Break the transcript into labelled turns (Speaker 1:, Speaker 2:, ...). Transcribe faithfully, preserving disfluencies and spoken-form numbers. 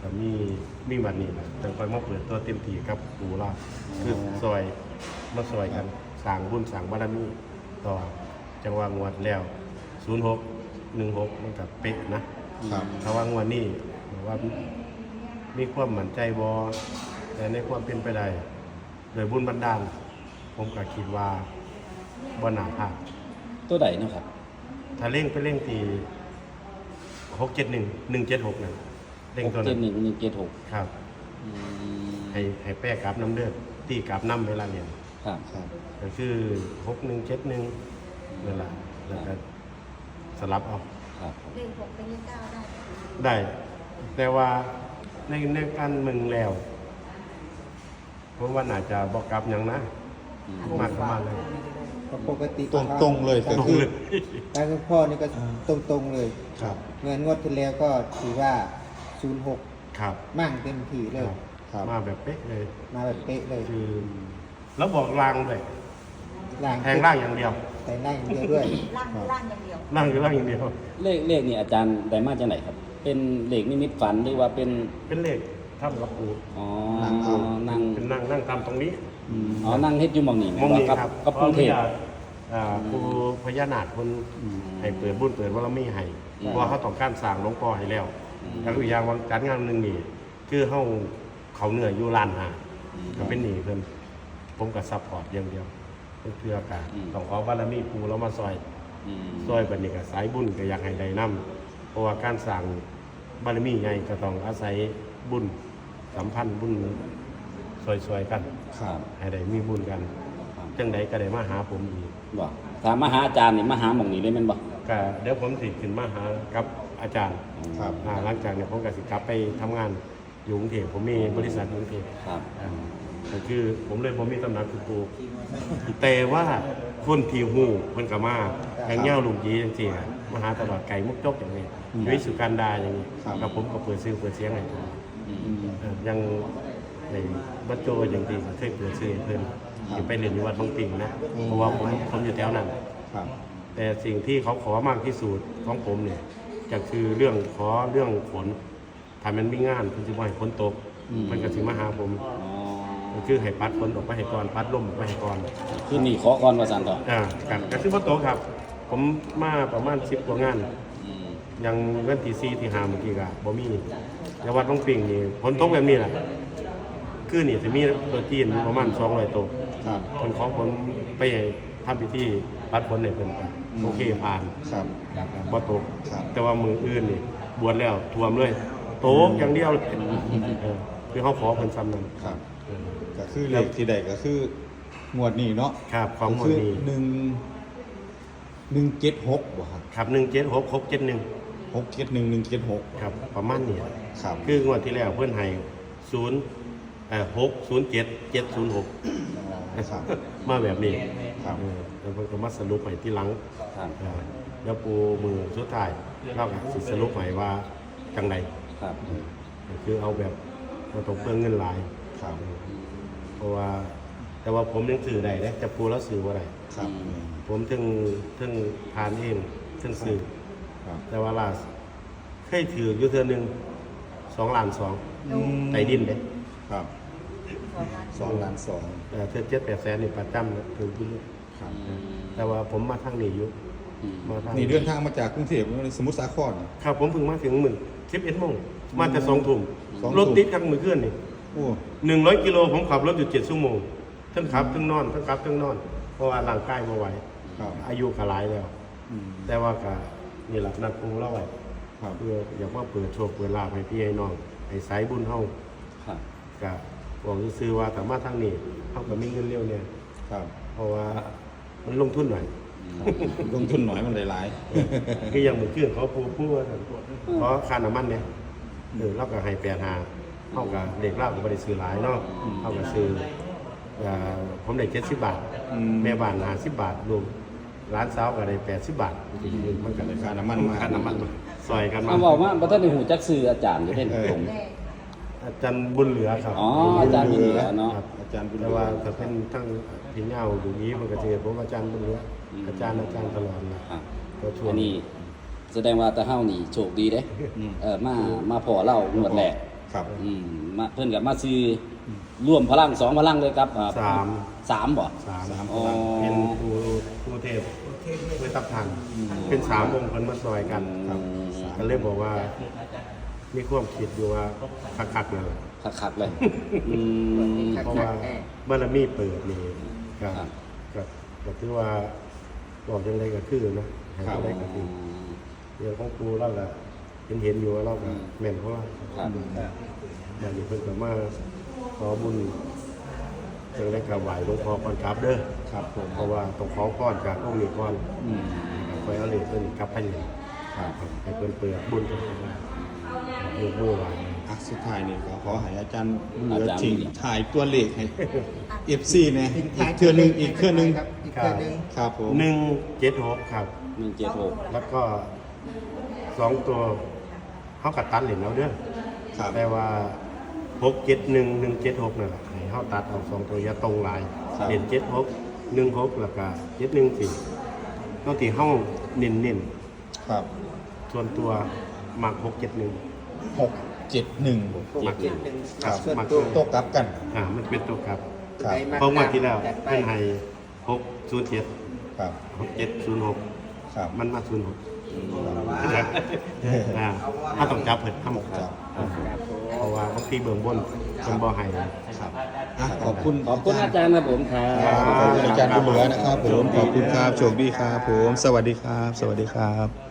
Speaker 1: ก็มีมีวันนี้นะแต่คอยมาเปิดตัวเต็มที่ครับปูล่าคือซอยมาซอยกันสร้างบุญสร้างบารมีต่อจังหวะงวดแล้วศูนย์หกหนึ่งหกมันกับเป๊ะนะครับถ้าว่างวดนี้บอกว่ามีความมั่นใจบอแต่ในความเป็นไปได้โดยบุญบันดาลผมก็คิดว่าบ่หนาพลาด
Speaker 2: ตัวใดเนาะครับ
Speaker 1: ถ้าเร่งไปเร่งตีหกเจ็ดหนึ่งหนึ่งเจ็ดหกนั่นเร่ง
Speaker 2: หก
Speaker 1: ตัว
Speaker 2: เจ็
Speaker 1: นั้
Speaker 2: ด
Speaker 1: น
Speaker 2: หนึ่งหนึ่งเจ็ดหก
Speaker 1: ครับ
Speaker 2: อืม
Speaker 1: ให้ให้แป้กราบน้ำเลือดตีกราบน้ำเวลาเรียน
Speaker 2: ครับ
Speaker 3: ครับ
Speaker 1: ก็คือหกหนึ่งเจ็ดหนึ่งเวลาแล้วก็สลับเอา
Speaker 2: ครับ
Speaker 4: เลขหกเป็นเลขเก้าได้
Speaker 1: ได้ แต่ว่าในในการมึงแล้วผมว่าน่าจะบอกกลับหยังนะ
Speaker 2: อืม
Speaker 1: มากประมาณเลย
Speaker 5: ก็ปกติ
Speaker 3: ตรงตรงๆเลยก็
Speaker 1: ตรง
Speaker 3: คือ
Speaker 1: เลย
Speaker 5: การคุณพ่อนี่ก็ตรงตรงๆเลย
Speaker 3: ครับ
Speaker 5: เงินงวดที่แล้วก็ถือว่าศูนย์หก
Speaker 1: ครับ
Speaker 5: มั่งเต็มที่เลย
Speaker 3: ครับ
Speaker 1: มาแบบเป๊ะเลย
Speaker 5: มาแบบเป๊ะเลย
Speaker 1: คือแล้วบอกลางเลย
Speaker 5: ล่าง
Speaker 1: แทงล่างอย่างเดียว
Speaker 5: แต่ล่างอย่างเดียวด้วย
Speaker 4: ล่างล่างอย่างเดียว
Speaker 1: ล่างคือล่างอย่างเดียว
Speaker 2: เลขเลขนี่อาจารย์ได้มาจากไหนครับ เป็นเลขนิมิตฝันหรือว่าเป็น
Speaker 1: เป็นเลขถ้ำรับปู
Speaker 2: อ๋อ
Speaker 3: นั่งเอา
Speaker 2: นั่ง
Speaker 1: เป็นนั่งนั่งตามตรงนี้
Speaker 2: อ๋อนั่งเฮ็ดอยู่หมองนี่
Speaker 1: มองนี้
Speaker 2: กั
Speaker 1: ครับ
Speaker 2: กับกรุงเทพ
Speaker 1: พราะว่าอ่าครูพญานาคคนให้เปิดบุญเปิดว่าเราไม่ให้
Speaker 2: อืม
Speaker 1: เพราะว่าเขาต้องการสร้างหลวงพ่อให้แล้ว
Speaker 2: อืม
Speaker 1: แล้วก็อีกอย่างวันจัดงานหนึ่งนี่คือเขาเขาเหนื่อยอยู่ลานหาก็เป็นหนีเพิ่นผมก็ซัพพอร์ตอย่างเดียวเพื่อเพื่อการต้องขอบารมีปูแล้วมาซอย
Speaker 2: อืม
Speaker 1: ซอยบัดนี้ก็สายบุญก็อยากให้ได้นํเพราะว่าการสร้างบารมีใหญ่ก็ต้องอาศัยบุญสัมพันธ์บุญซอยๆกัน
Speaker 3: ครับ
Speaker 1: ให้ได้มีบุญกัน
Speaker 2: ครับ
Speaker 1: จังใดก็ได้มาหาผมอีก
Speaker 2: บ่ถามมาหาอาจารย์นี่มาหาหมองนี้เลยแม่นบ่
Speaker 1: ก็เดี๋ยวผมสิขึ้นมาหากับอาจารย์
Speaker 3: ครับ
Speaker 1: อ่าหลังจากนี้ผมก็สิกลับไปทำงานอยู่กรุงเทพผมมีบริษัทอยู่กรุงเทพ
Speaker 2: ครับ
Speaker 1: อ่าก็คือผมเลยผมมีตำหนักคือครูแต่ว่าคนที่ฮู้เพิ่นก็มาอย่างเงี้ยลุงยีจังซี่อะมาหาตลอดไก่มุกจกอย่างนี้ยุ้ยสุการดาอย่างนี้
Speaker 3: ครับ
Speaker 1: กับผมก็เปิดซื้อเปิดเสียงให้
Speaker 2: อืม
Speaker 1: เอ่อยังในบัดโจอย่างที่เคยเปิดซื้อให้เพิ่นที่ไปเรียนอยู่วัดบางปิงนะเพราะว่าผมผมอยู่แถวนั้น
Speaker 3: ครับ
Speaker 1: แต่สิ่งที่เขาขอมากที่สุดของผมเนี่ยจะคือเรื่องขอเรื่องฝนถ้ามันมีงานเพิ่นสิบ่ให้ฝนตกมันก็สิมาหาผม
Speaker 2: อ๋อ
Speaker 1: ก็คือให้ปัดฝนออกไปให้ก่อนปัดลมออกไปให้ก่อน
Speaker 2: คือนี่ขอก่อนว่าซั่นต่อ
Speaker 1: อ่ากันก็คือบ่ตกครับ ผมมาประมาณสิบกว่างาน
Speaker 2: อืม
Speaker 1: ยังวันที่สี่ที่ห้าเมื่อกี้ก็บ่มีแต่วัดบางปิงนี่ฝนตกแบบนี้แหละคือนี่สิมีตัวจีนอยู่ประมาณสองร้อยตัว
Speaker 3: ครับ
Speaker 1: คนของผมไปทำพิธีปัดฝนให้เพิ่นไปโอเคผ่าน
Speaker 3: ครับ
Speaker 1: บ่ตก
Speaker 3: ครับ
Speaker 1: แต่ว่ามืออื่นนี่บวชแล้วท่วมเลยโตกอย่างเดียวเลยเออคือเขาขอเพิ่นซ้ำนั้น
Speaker 3: ครับ
Speaker 1: เออ
Speaker 3: ก็คือเลขที่ใดก็คือหมวดนี้เนาะ
Speaker 1: ครับของหม
Speaker 3: ก็
Speaker 1: วด
Speaker 3: คือ
Speaker 1: นี้
Speaker 3: หนึ่งหนึ่งเจ็ดหกบ่ครับ
Speaker 1: ครับหนึ่งเจ็ดหกหกเจ็ดหนึ่ง
Speaker 3: หกเจ็ดหนึ่งหนึ่งเจ็ดหก
Speaker 1: ครับประมาณนี้
Speaker 3: ครับ
Speaker 1: คืองวดที่แล้วเพื่อนให้ศูนย์เอ่อหกศูนย์เจ็ดเจ็ดศูนย์หก
Speaker 3: ครับ
Speaker 1: มาแบบนี้
Speaker 3: ครับ
Speaker 1: เออแล้วเพิ่นก็มาสรุปให้ที่หลัง
Speaker 2: ครับ
Speaker 1: เออแล้วปูมือสุดท้ายเราก็สิสรุปให้ว่าจังได
Speaker 2: ครับ
Speaker 1: เออก็คือเอาแบบบ่ต้องเปลืองเงินหลาย
Speaker 3: ครับ
Speaker 1: เพราะว่าแต่ว่าผมยังสื่อได้เด้จะปูแล้วสื่อว่าไร
Speaker 3: ครับ
Speaker 1: ผมถึงถึงทานเองถึงสื่อ
Speaker 3: ครับ
Speaker 1: แต่ว่าล่าสุดเคยถืออยู่เทื่อหนึงสองล้านสองใต้ดินเด้
Speaker 3: ครับ
Speaker 4: สองล้าน
Speaker 3: สองล้านสอง
Speaker 1: เอ่อเทื่อเจ็ดแปดแสนนี่ประจำนะถืออยู่
Speaker 3: ครับ
Speaker 2: อืม
Speaker 1: แต่ว่าผมมาทางนี้อยู่
Speaker 2: อืม
Speaker 1: มาทาง
Speaker 3: นี่เดินทางมาจากกรุงเทพสมุทรสาคร
Speaker 1: ครับผมเพิ่งมาถึงหมื่นสิบเอ็ดโมงมาจะสองทุ่ม
Speaker 3: สองทุ่ม
Speaker 1: รถติดกันมือขึ้นนี่
Speaker 3: โอ้
Speaker 1: หนึ่งร้อยกิโลผมขับรถอยู่เจ็ดชั่วโมงทั้งขับทั้งนอนทั้งขับทั้งนอน เพราะว่าร่างกายมาไหว
Speaker 3: ครับ
Speaker 1: อายุก็หลายแล้ว
Speaker 3: อืม
Speaker 1: แต่ว่าก็นี่แหละนัดคงเล่าไว้
Speaker 3: ครับ
Speaker 1: เพื่ออยากว่าเปิดโชคเปิดลาภให้พี่ให้น้องให้สายบุญเฮา
Speaker 2: ครับ
Speaker 1: ก็บอกซื้อๆว่าแต่มาทางนี้เฮาก็มีเงินเร็วเนี่ย
Speaker 3: ครับ
Speaker 1: เพราะว่ามันลงทุนหน่อย
Speaker 3: ลงทุนหน่อยมันหลาย
Speaker 1: คืออย่างเหมือนเครื่องเขาพูดพูดว่าเพราะค่าน้ำมันเนี่ยเออเราก็ให้แปดหาเท่ากับเด็กเล่าก็ไม่ได้ซื้อหลายเนาะเท่ากับซื้อเอ่อผมได้เจ็ดสิบบาท
Speaker 3: ๆอืม
Speaker 1: แม่บ้านหาสิบบาทรวมร้านสาวก็ได้แปดสิบบาทมันก็
Speaker 3: ได้ค่าน้ำมันมา
Speaker 1: ค่าน้ำมันมาซอยกันมา
Speaker 2: เอาบอกว่าบ่ทันได้หูจักชื่ออาจารย์อยู่เด้
Speaker 3: เออ
Speaker 2: ผม
Speaker 4: แม่
Speaker 1: อาจารย์บุญเหลือครับ
Speaker 2: อ๋ออาจารย์บุญเหลือเนาะ
Speaker 1: ครับ
Speaker 3: อาจารย์บุญเหลื
Speaker 1: แต่
Speaker 3: อ
Speaker 1: ว่าถ้าเป็นทั้งพี่เงาอยู่นี้มันก็จะผมอาจารย์บุญเหลืออาจารย์อาจารย์ตลอดนะครับ ก็ช่วย
Speaker 2: อันนี้แสดงว่าตาเฮานี่โชคดีเด้
Speaker 3: อืม
Speaker 2: เออมามาพอเล่างวดแรก
Speaker 3: ครับ
Speaker 2: อืมมาเพิ่นกับมาซื้อร่วมพลังสองพลังเลยครับอ่
Speaker 1: สาม
Speaker 2: สามบ่
Speaker 1: สาม
Speaker 3: สาม
Speaker 2: อ๋อ
Speaker 1: เป็นผู้ผู้เทพเวทับทันเป็นสามองค์เพิ่นมาซอยกัน
Speaker 3: ครับ
Speaker 1: ก็เลยบอกว่ามีความคิดอยู่ว่าคักๆเลย
Speaker 2: คักๆเลยอืม
Speaker 1: เพราะว่าบารมีเปิดนี่ก็
Speaker 2: ครับ
Speaker 1: ก็ก็ถือว่าบอกจังไดก็คือนะให้
Speaker 3: ครับ
Speaker 1: จังไดก็คือเรื่องของครูเราก็เห็นเห็นอยู่ว่าเราก็แม่นของเรา
Speaker 2: ครับ
Speaker 1: อย่างนี้เพิ่นก็มาขอบุญจังไดก็ไหว้หลวงพ่อก่อนกลับเด้อ
Speaker 3: ครับผม
Speaker 1: เพราะว่าต้องขอพรจากองค์นี้ก่อน
Speaker 3: อืม
Speaker 1: คอยเอาเหรียญเพิ่นกลับไปเลย
Speaker 3: ครับ
Speaker 1: ให้เพิ่นเปิดบุญเพิ่นว่าลูกมือไหว้
Speaker 3: อ่ะสุดท้ายนี่ก็ขอให้อาจารย์เหลื
Speaker 2: อา
Speaker 3: อ
Speaker 2: จารย์
Speaker 3: ทิ้งถ่ายตัวเลขให้ เอฟ ซี เนี่ยอีกเทื่อหนึงอีกเทื่อหนึง
Speaker 5: ครับอีกเครื่องหนึง
Speaker 3: ครับผม
Speaker 1: หนึ่งเจ็ดหกครับ
Speaker 2: หนึ่งเจ็ดหก
Speaker 1: แล้วก็สองตัวเขากัดตัดเหรียญเอาเด้อ
Speaker 3: ครับ
Speaker 1: แต่ว่าหกเจ็ดหนึ่งหนึ่งเจ็ดหกนั่นแหละให้เขาตัดเอาสองตัวอย่าตรงหลายเหรียญเจ็ดหกหนึ่งหกแล้วก็เจ็ดหนึ่งสี่ต้องตีห้องเน้นเน้น
Speaker 3: ครับ
Speaker 1: ๆส่วนตัวหมักหกเจ็ดหนึ่ง
Speaker 3: หกเจ็ดหนึ่ง
Speaker 1: หมัก
Speaker 3: ครับ
Speaker 5: ส่วน
Speaker 1: หมัก
Speaker 5: ตัว
Speaker 3: โต๊ะกลับกัน
Speaker 1: อ่ามันเป็นตัวครับ
Speaker 3: ครับ
Speaker 1: เพราะว่าที่แล้ว
Speaker 5: จัดไป
Speaker 1: เป็นให้หกศูนย์เจ็ด
Speaker 3: ครับ
Speaker 1: หกเจ็ดศูนย์หก
Speaker 3: ครับ
Speaker 1: มันมาศูนย์หกอ่าถ้าต้องจับเผิดถ้าหมก
Speaker 3: ค
Speaker 1: จั
Speaker 3: รั
Speaker 1: บบ เพราะว่าบางทีเบื้องบนคนบ่ให้
Speaker 3: ครับอ่ะขอบคุณ
Speaker 2: ขอบคุณอาจารย์นะผมครั
Speaker 3: ครับ
Speaker 2: บ
Speaker 3: ขอบคุณอาจารย์บุญเหลือนะครับผม ขอบคุณครับ โชคดีครับผม สวัสดีครับ สวัสดีครับ